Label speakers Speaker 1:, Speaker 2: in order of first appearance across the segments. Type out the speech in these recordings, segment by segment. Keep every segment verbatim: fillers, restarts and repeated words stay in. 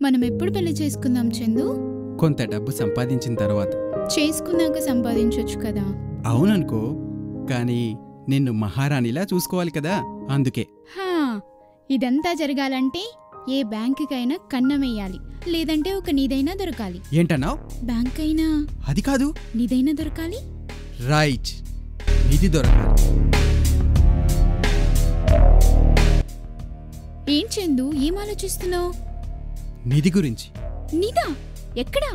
Speaker 1: మనం ఎప్పుడు పెళ్లి చేసుకుందాం చందు?
Speaker 2: కొంత డబ్బు సంపాదించిన తర్వాత.
Speaker 1: చేసుకున్నాక సంపాదించొచ్చు కదా.
Speaker 2: అవుననుకో, కానీ నిన్ను మహారాణిలా చూసుకోవాలి కదా, అందుకే.
Speaker 1: హా, ఇదంతా జరగాలంటే ఏ బ్యాంకుకైనా కన్నమేయాలి, లేదంటే ఒక నీదైనా దొరకాలి.
Speaker 2: ఏంటన్నావ్?
Speaker 1: బ్యాంక్ అయినా
Speaker 2: అది కాదు,
Speaker 1: నీదైనా దొరకాలి.
Speaker 2: రైట్, నిధి దొరకాలి.
Speaker 1: ఏం చందు, ఏం ఆలోచిస్తున్నావు?
Speaker 2: నిధి గురించి.
Speaker 1: నిధా? ఎక్కడా?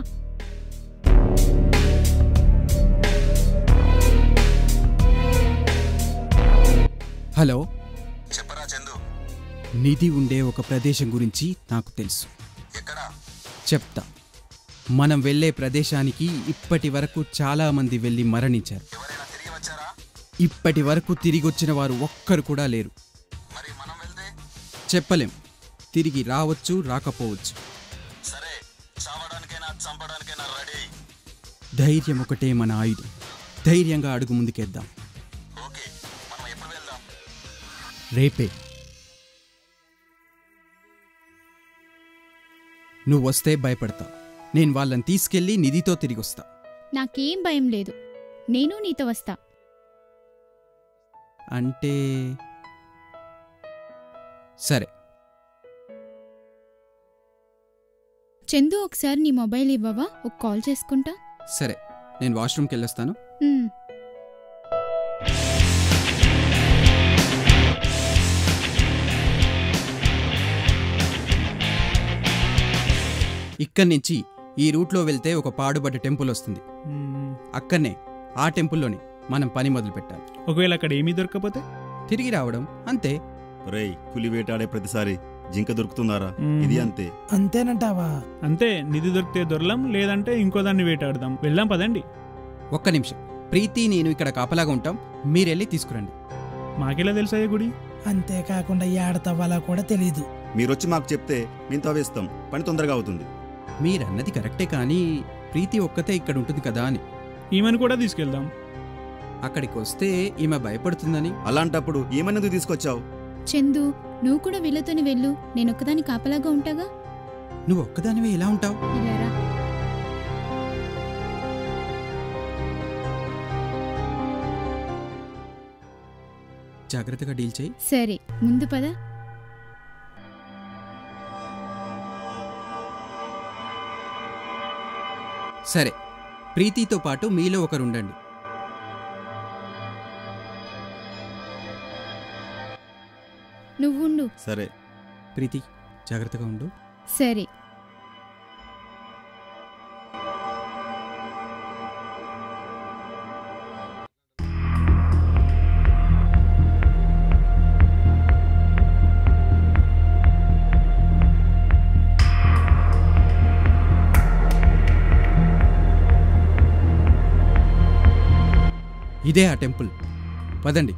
Speaker 2: హలో,
Speaker 3: చెప్పరా చందు.
Speaker 2: నిధి ఉండే ఒక ప్రదేశం గురించి నాకు తెలుసు.
Speaker 3: ఎక్కడా?
Speaker 2: చెప్తా. మనం వెళ్లే ప్రదేశానికి ఇప్పటి వరకు చాలా మంది వెళ్లి మరణించారు.
Speaker 3: ఎవరైనా తిరిగి వచ్చారా?
Speaker 2: ఇప్పటి వరకు తిరిగొచ్చిన వారు ఒక్కరు కూడా లేరు.
Speaker 3: మరి మనం వెళ్తే?
Speaker 2: చెప్పలేం, తిరిగి రావచ్చు, రాకపోవచ్చు.
Speaker 3: సరే, చావడానికైనా చంపడానికైనా రెడీ.
Speaker 2: ధైర్యం ఒకటే మన ఆయుధం. ధైర్యంగా అడుగు ముందుకేద్దాం.
Speaker 3: ఓకే, మనం ఎప్పుడు వెళ్దాం?
Speaker 2: రేపే. నువ్వు వస్తే భయపడతా. నేను వాళ్ళని తీసుకెళ్లి నిధితో తిరిగొస్తా.
Speaker 1: నాకేం భయం లేదు, నేను నీతో వస్తా.
Speaker 2: అంటే సరే.
Speaker 1: చందు, ఒకసారి నీ మొబైల్ ఇవ్వవా? ఒక కాల్ చేసుకుంటా.
Speaker 2: సరే, నేను వాష్రూమ్కి వెళ్ళొస్తాను.
Speaker 1: ఉమ్.
Speaker 2: ఇక్కడి నుంచి ఈ రూట్లో వెళ్తే ఒక పాడుబడ్డ టెంపుల్ వస్తుంది. అక్కడనే ఆ టెంపుల్లోనే మనం పని మొదలు పెట్టాలి.
Speaker 4: ఒకవేళ అక్కడ ఏమీ దొరకకపోతే
Speaker 2: తిరిగి రావడం అంతే.
Speaker 3: రేయ్, పులి వేటాడే ప్రతిసారి జింక దొరుకుతుందారా?
Speaker 4: మ్మ్.
Speaker 3: ఇది అంతే.
Speaker 5: అంతేనంటావా?
Speaker 4: అంతే, నిధి దొరికితే దొరలం, లేదంటే ఇంకో దాన్ని వేటాడదాం. వెళ్దాం పదండి.
Speaker 2: ఒక్క నిమిషం, ప్రీతి నేను ఇక్కడ కాపలాగా ఉంటాం, మీరెళ్ళి తీసుకురండి.
Speaker 4: మాకెలా తెలుసాయే గుడి?
Speaker 5: అంతేకాకుండా ఏడతవ్వాలా కూడా తెలీదు.
Speaker 3: మీరొచ్చి మాకు చెప్తే మేము తవ్వేస్తాం, పని తొందరగా అవుతుంది.
Speaker 2: మీరన్నది కరెక్టే, కానీ ప్రీతి ఒక్కతే ఇక్కడ ఉంటుంది కదా అని.
Speaker 4: ఈమెను కూడా తీసుకెళ్దాం.
Speaker 2: అక్కడికి వస్తే ఈమె భయపడుతుందని.
Speaker 3: అలాంటప్పుడు ఏమన్నది తీసుకొచ్చావు?
Speaker 1: చందు, నువ్వు కూడా వీళ్ళతోని వెళ్ళు, నేనొక్కదాని కాపలాగా ఉంటాగా.
Speaker 2: నువ్వు ఒక్కదానివే ఎలా ఉంటావు?
Speaker 1: ఇలారా.
Speaker 2: జాగ్రత్తగా డీల్ చేయి.
Speaker 1: సరే, ముందు పద.
Speaker 2: సరే, ప్రీతితో పాటు మీలో ఒకరు ఉండండి.
Speaker 1: నువ్వుండు.
Speaker 3: సరే.
Speaker 2: ప్రీతి, జాగ్రత్తగా ఉండు.
Speaker 1: సరే.
Speaker 2: ఇదే ఆ టెంపుల్, పదండి.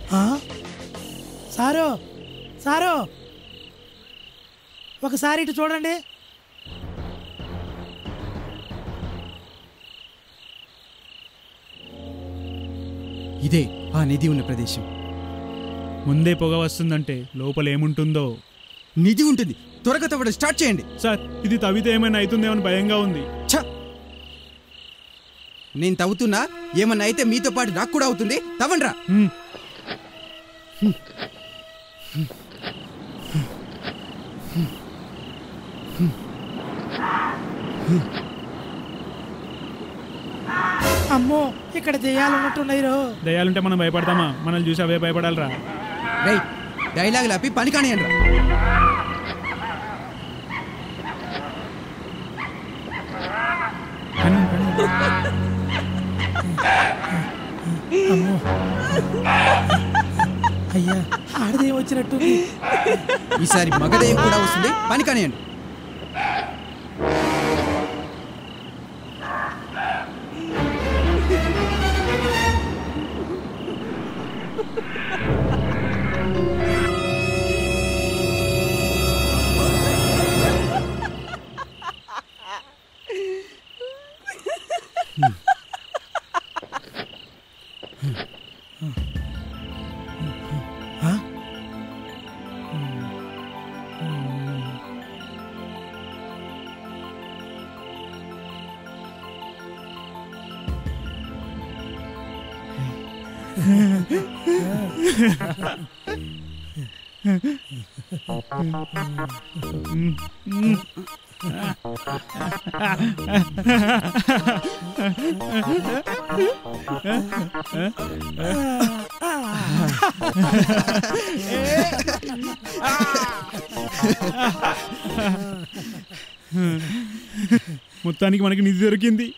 Speaker 5: సారు సారు ఒకసారి ఇటు చూడండి.
Speaker 2: ఇదే ఆ నిధి ఉన్న ప్రదేశం.
Speaker 4: ముందే పొగ వస్తుందంటే లోపల ఏముంటుందో.
Speaker 2: నిధి ఉంటుంది, త్వరగా తవ్వడం స్టార్ట్ చేయండి.
Speaker 4: సార్ ఇది తవ్వితే ఏమైనా అవుతుందేమని భయంగా ఉంది.
Speaker 2: ఛ! నేను తవ్వుతున్నా, ఏమన్నా అయితే మీతో పాటు నాకు కూడా అవుతుంది. తవ్వండ్రా.
Speaker 5: అమ్మో, ఇక్కడ దెయ్యాలున్నట్టున్నాయి రో.
Speaker 4: దయ్యాలుంటే మనం భయపడతామా? మనల్ని చూసి అవే భయపడాలరా.
Speaker 2: రైట్, డైలాగ్ లాపి పని కానియండ్రా.
Speaker 5: అమ్మో అయ్యా, ఆడదేం వచ్చినట్టు.
Speaker 2: ఈసారి మగదయం కూడా వస్తుంది, పని కానియండి.
Speaker 4: మొత్తానికి మనకి నిధి దొరికింది.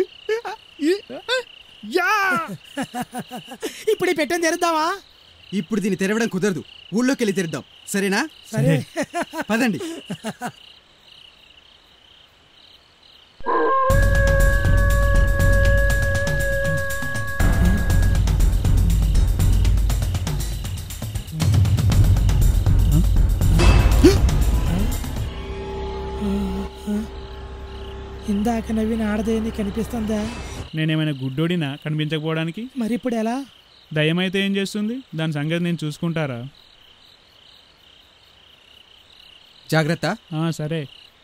Speaker 5: ఇప్పుడు ఈ పెట్టని తెరుద్దామా?
Speaker 2: ఇప్పుడు దీన్ని తెరవడం కుదరదు, ఊళ్ళోకి వెళ్ళి తెరుద్దాం. సరేనా?
Speaker 5: సరే
Speaker 2: పదండి.
Speaker 5: ఇందాక నవ్విన ఆడదేని కనిపిస్తుందా?
Speaker 4: నేనేమైనా గుడ్డోడినా కనిపించకపోవడానికి?
Speaker 5: మరి ఇప్పుడు ఎలా?
Speaker 4: దయ్యమైతే ఏం చేస్తుంది? దాని సంగతి నేను చూసుకుంటారా?
Speaker 2: జాగ్రత్త.
Speaker 4: సరే.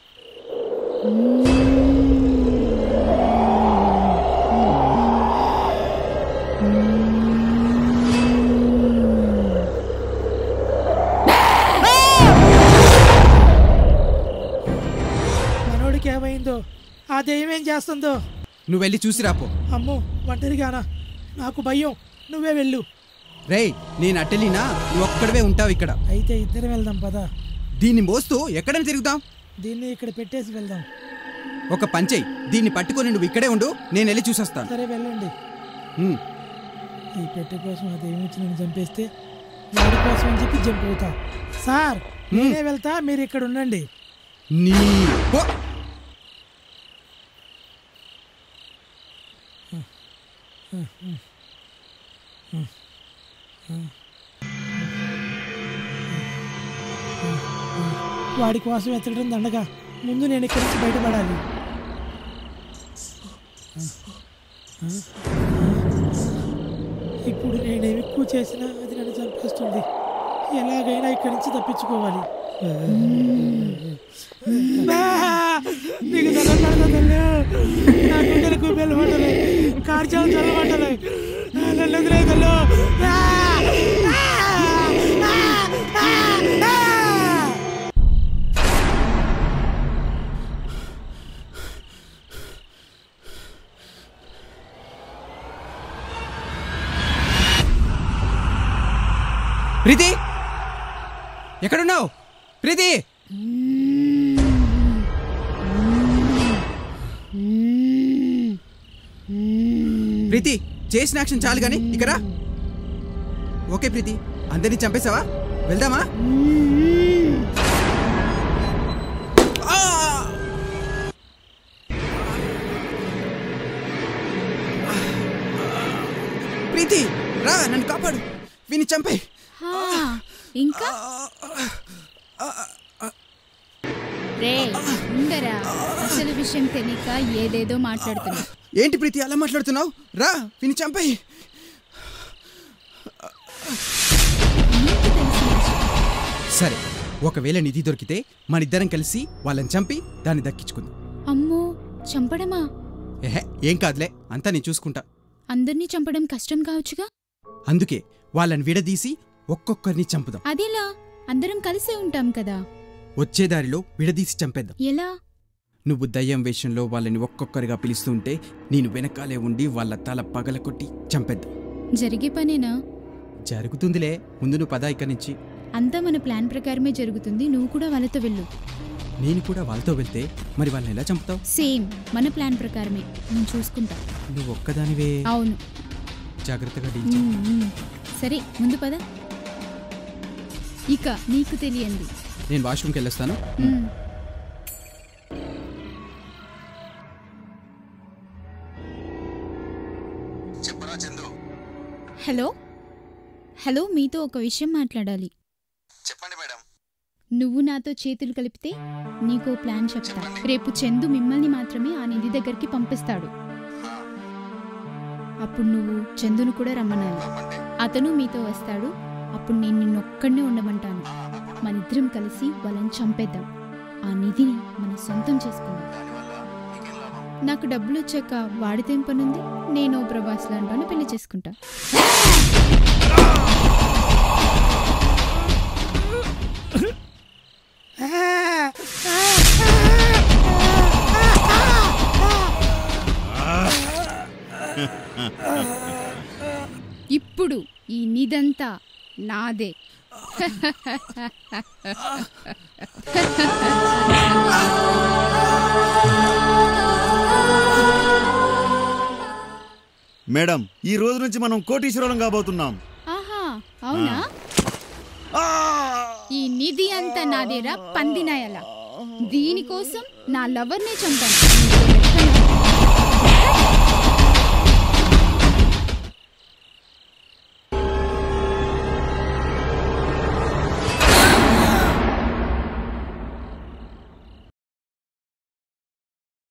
Speaker 5: మనోడికి ఏమైందో, ఆ దెయ్యం ఏం చేస్తుందో?
Speaker 2: నువ్వు వెళ్ళి చూసి రాపో.
Speaker 5: అమ్మో, ఒంటరిగానా? నాకు భయం. నువ్వే వెళ్ళు.
Speaker 2: రేయ్, నేను అట్టెలినా, నువ్వు ఒక్కడవే ఉంటావు ఇక్కడ.
Speaker 5: అయితే ఇద్దరం వెళ్దాం పదా.
Speaker 2: దీన్ని మోస్తూ ఎక్కడని తిరుగుదాం?
Speaker 5: దీన్ని ఇక్కడ పెట్టేసి వెళ్దాం.
Speaker 2: ఒక పంచేయి, దీన్ని పట్టుకొని నువ్వు ఇక్కడే ఉండు, నేను వెళ్ళి చూసొస్తాను.
Speaker 5: సరే వెళ్ళండి. ఈ పెట్టె కోసం ఆ దెయ్యం వచ్చి నేను చంపేస్తే వాడి కోసం అని చెప్పి జంప్ అవుతా. సార్, నేనే వెళ్తా, మీరు ఇక్కడ ఉండండి.
Speaker 2: నీ
Speaker 5: వాడి కోసం ఎత్తడం దండగా, ముందు నేను ఇక్కడి నుంచి బయటపడాలి. ఇప్పుడు నేనేమి ఎక్కువ చేసినా అది నన్ను చంపేస్తుంది. ఎలాగైనా ఇక్కడి నుంచి తప్పించుకోవాలి. నీకు చల్లబడతలే, నా గుండెలకు బెల్లబడ్డలే, కార్చాలు చల్లబడ్డలే, నన్ను ఎదురైతలు.
Speaker 2: ప్రీతి, ఎక్కడున్నావు? ప్రీతి, ప్రీతి, చేసిన యాక్షన్ చాలు కానీ ఇక్కడ. ఓకే ప్రీతి, అందరినీ చంపేశావా? వెళ్దామా? ప్రీతి రా, నన్ను కాపాడు. విని చంపే.
Speaker 1: హా, ఇంకా రే ఉండరా, అసలు విషయం తెలియక ఏదేదో మాట్లాడుతున్నా.
Speaker 2: ఏంటి ప్రీతి అలా మాట్లాడుతున్నావు? రా విని చంపే. సరే, ఒకవేళ నిధి దొరికితే మనిద్దరం కలిసి వాళ్ళని చంపి దాన్ని దక్కించుకుందాం.
Speaker 1: అమ్మో, చంపడమా?
Speaker 2: ఏహే, ఏం కాదులే, అంతా నేను చూసుకుంటా.
Speaker 1: అందర్నీ చంపడం కష్టం కావచ్చుగా.
Speaker 2: అందుకే వాళ్ళని విడదీసి ఒక్కొక్కరిని చంపుదాం.
Speaker 1: అదేలా? అందరం కలిసే ఉంటాం కదా.
Speaker 2: వచ్చే దారిలో విడదీసి చంపేద్దాం.
Speaker 1: ఎలా?
Speaker 2: నువ్వు దయ్యం వేషంలో వాళ్ళని ఒక్కొక్కరిగా పిలుస్తుంటే నేను వెనకాలే ఉండి వాళ్ళ తల పగలకొట్టి చంపేద్దాం.
Speaker 1: జరిగే పనేనా?
Speaker 2: జరుగుతుందిలే, ముందు నువ్వు పదా ఇక్కడి నుంచి.
Speaker 1: అంతా మన ప్లాన్ ప్రకారమే జరుగుతుంది. నువ్వు కూడా వాళ్ళతో వెళ్ళు.
Speaker 2: నేను కూడా వాళ్ళతో వెళ్తే మరి వాళ్ళని ఎలా చంపుతావు?
Speaker 1: సేమ్ మన ప్లాన్ ప్రకారమే, నేను చూసుకుంటా.
Speaker 2: నువ్వు ఒక్కదానివే?
Speaker 1: అవును.
Speaker 2: జాగ్రత్తగా డీల్ చెయ్.
Speaker 1: ఉమ్, ఉమ్. సరే, ముందు పద. ఇక నీకు తెలియంది.
Speaker 2: నేను వాష్రూమ్కి వెళ్ళొస్తాను.
Speaker 1: ఉమ్. హలో హలో మీతో ఒక విషయం మాట్లాడాలి.
Speaker 6: చెప్పండి మేడం.
Speaker 1: నువ్వు నాతో చేతులు కలిపితే నీకో ప్లాన్ చెప్తా. రేపు చందు మిమ్మల్ని మాత్రమే ఆ నిధి దగ్గరికి పంపిస్తాడు. అప్పుడు నువ్వు చందును కూడా రమ్మనాలి. అతను మీతో వస్తాడు. అప్పుడు నేను నిన్నొక్కడనే ఉండమంటాను. మనిద్దరం కలిసి వాళ్ళని చంపేద్దాం. ఆ నిధిని మన సొంతం చేసుకుందాం. నాకు డబ్బులు వచ్చాక వాడితేం పనుంది? నేను ప్రభాస్ లాంటి పెళ్లి చేసుకుంటా. ఇప్పుడు ఈ నిధంతా నాదే.
Speaker 3: మేడం, ఈ రోజు నుంచి మనం కోటీశ్వరులం కాబోతున్నాం.
Speaker 1: ఆహా, అవునా? ఈ నిధి అంతా నాదేరా పందినాయలా. దీనికోసం నా లవర్నే చంపాను.